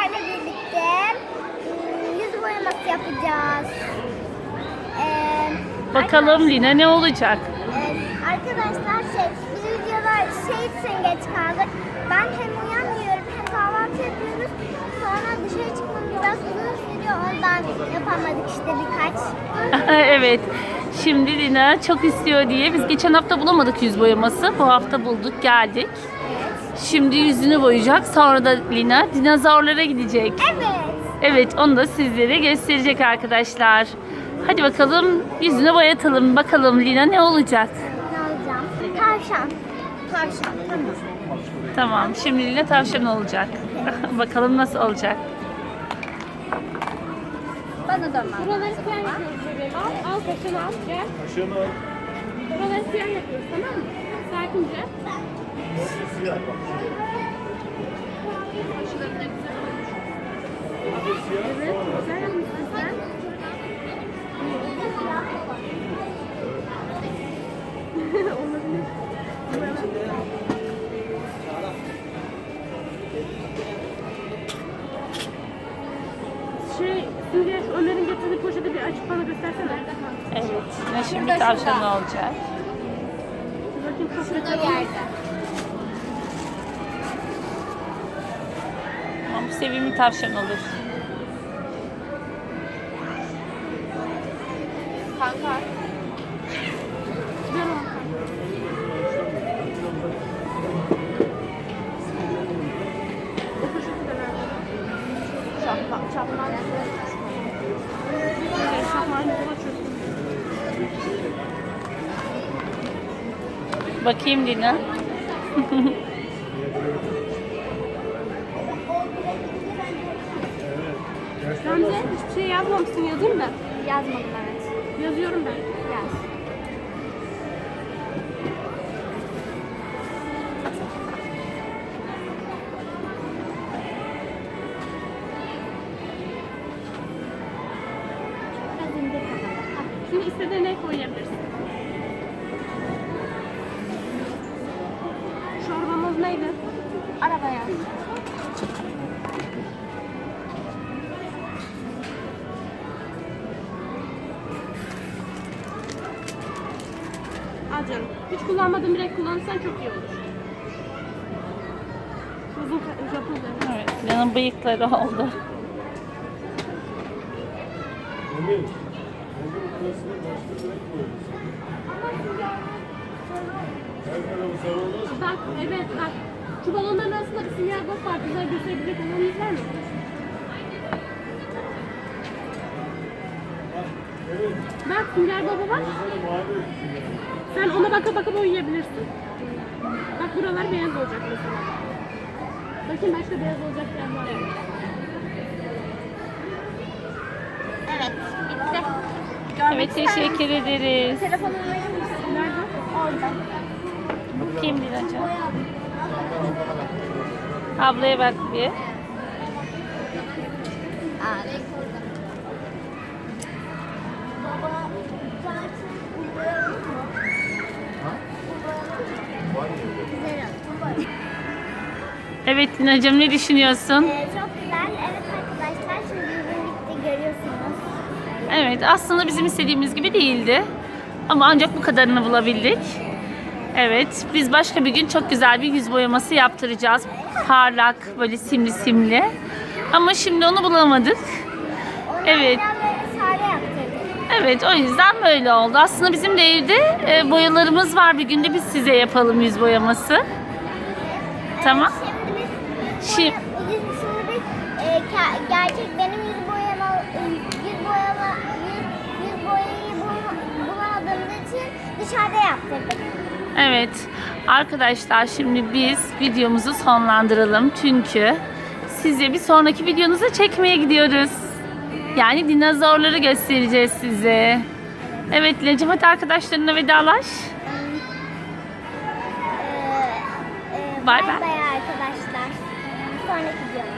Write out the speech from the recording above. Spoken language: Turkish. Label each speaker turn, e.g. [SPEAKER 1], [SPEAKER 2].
[SPEAKER 1] sizlerle birlikte yüz boyaması yapacağız.
[SPEAKER 2] Bakalım Lina ne olacak?
[SPEAKER 1] Arkadaşlar biz videoda için geç kaldık. Ben hem uyanmıyorum hem kahvaltı yapıyoruz. Sonra dışarı çıkmamız biraz uzun sürüyor. Ondan yapamadık işte birkaç.
[SPEAKER 2] Evet. Şimdi Lina çok istiyor diye biz geçen hafta bulamadık yüz boyaması. Bu hafta bulduk, geldik. Şimdi yüzünü boyayacak. Sonra da Lina dinozorlara gidecek.
[SPEAKER 1] Evet.
[SPEAKER 2] Evet, onu da sizlere gösterecek arkadaşlar. Hadi bakalım yüzünü boyatalım. Bakalım Lina ne olacak?
[SPEAKER 1] Ne alacağım? Tavşan. Tavşan. Tamam.
[SPEAKER 2] Tamam, şimdi Lina tavşan olacak. Bakalım nasıl olacak?
[SPEAKER 1] Bana da var.
[SPEAKER 3] Buraları siyah yapıyoruz bebeğim. Al kaşını al. Gel.
[SPEAKER 4] Kaşığını al.
[SPEAKER 3] Buraları siyah yapıyoruz, tamam mı? Sakince.
[SPEAKER 4] Siyah bak.
[SPEAKER 3] Kaşıları da güzel olmuş. Evet, güzel yapmışsın sen. Olabilir. Şimdi Ömer'in getirdiği poşeti bir açıp bana göstersene.
[SPEAKER 2] Evet, Lina şimdi tavşan olacak.
[SPEAKER 3] Bakayım poşeti.
[SPEAKER 1] Yerde.
[SPEAKER 2] Ama bu sevimli tavşan olur.
[SPEAKER 1] Kanka.
[SPEAKER 3] Ver onu. O poşeti de ver bana.
[SPEAKER 1] Çapman.
[SPEAKER 3] Evet, şahane yola çözdüm.
[SPEAKER 2] Bakayım Lina.
[SPEAKER 3] Gamze hiçbir şey yazmamışsın, yazayım da.
[SPEAKER 1] Yazmadım evet.
[SPEAKER 3] Yazıyorum ben.
[SPEAKER 1] Yaz. Biraz indir kafanı.
[SPEAKER 3] Şimdi istediğin renk koyabilirsin. Çorbamız neydi?
[SPEAKER 1] Arabaya.
[SPEAKER 3] Al canım. Hiç kullanmadığın bir renk kullanırsan çok iyi olur. Uzun Japon rengi.
[SPEAKER 2] Evet, Lina'nın bıyıkları oldu.
[SPEAKER 4] Emir. Emir burasını başka bir renk koyuyoruz. Her tarafı sarı olmaz.
[SPEAKER 3] Bak, evet bak. Şu balonların arasında bir sinyal bak var. Güzel gösterebilecek olanınız var mı?
[SPEAKER 4] Evet.
[SPEAKER 3] Bak, Sünger Baba var.
[SPEAKER 4] Sana mavi olsun.
[SPEAKER 3] Sen ona baka baka boyayabilirsin. Bak buralar beyaz olacak mesela. Bakayım başka beyaz olacak yer var mı?
[SPEAKER 1] Evet. Bitti.
[SPEAKER 2] Evet, teşekkür ederiz.
[SPEAKER 1] Telefonumu verir misin?
[SPEAKER 3] Nerede?
[SPEAKER 1] Orada.
[SPEAKER 2] Bakayım Lina'cığım. Ablaya bak bir. Evet Lina'cığım, ne düşünüyorsun?
[SPEAKER 1] Çok güzel. Evet arkadaşlar şimdi yüzüm bitti görüyorsunuz.
[SPEAKER 2] Evet, aslında bizim istediğimiz gibi değildi. Ama ancak bu kadarını bulabildik. Evet, biz başka bir gün çok güzel bir yüz boyaması yaptıracağız. Parlak, böyle simli simli. Ama şimdi onu bulamadık. Evet.
[SPEAKER 1] Ondan böyle sade yaptırdık.
[SPEAKER 2] Evet, o yüzden böyle oldu. Aslında bizim de evde boyalarımız var. Bir günde biz size yapalım yüz boyaması. Tamam.
[SPEAKER 1] Şimdi biz gerçek benim yüz boyayı bulamadığımız için dışarıda yaptırdık.
[SPEAKER 2] Evet. Arkadaşlar şimdi biz videomuzu sonlandıralım. Çünkü size bir sonraki videonuzu çekmeye gidiyoruz. Yani dinozorları göstereceğiz size. Evet Lina'cığım, hadi arkadaşlarına vedalaş.
[SPEAKER 1] Bay
[SPEAKER 2] Bay bay.
[SPEAKER 1] bay arkadaşlar. Sonraki videomda.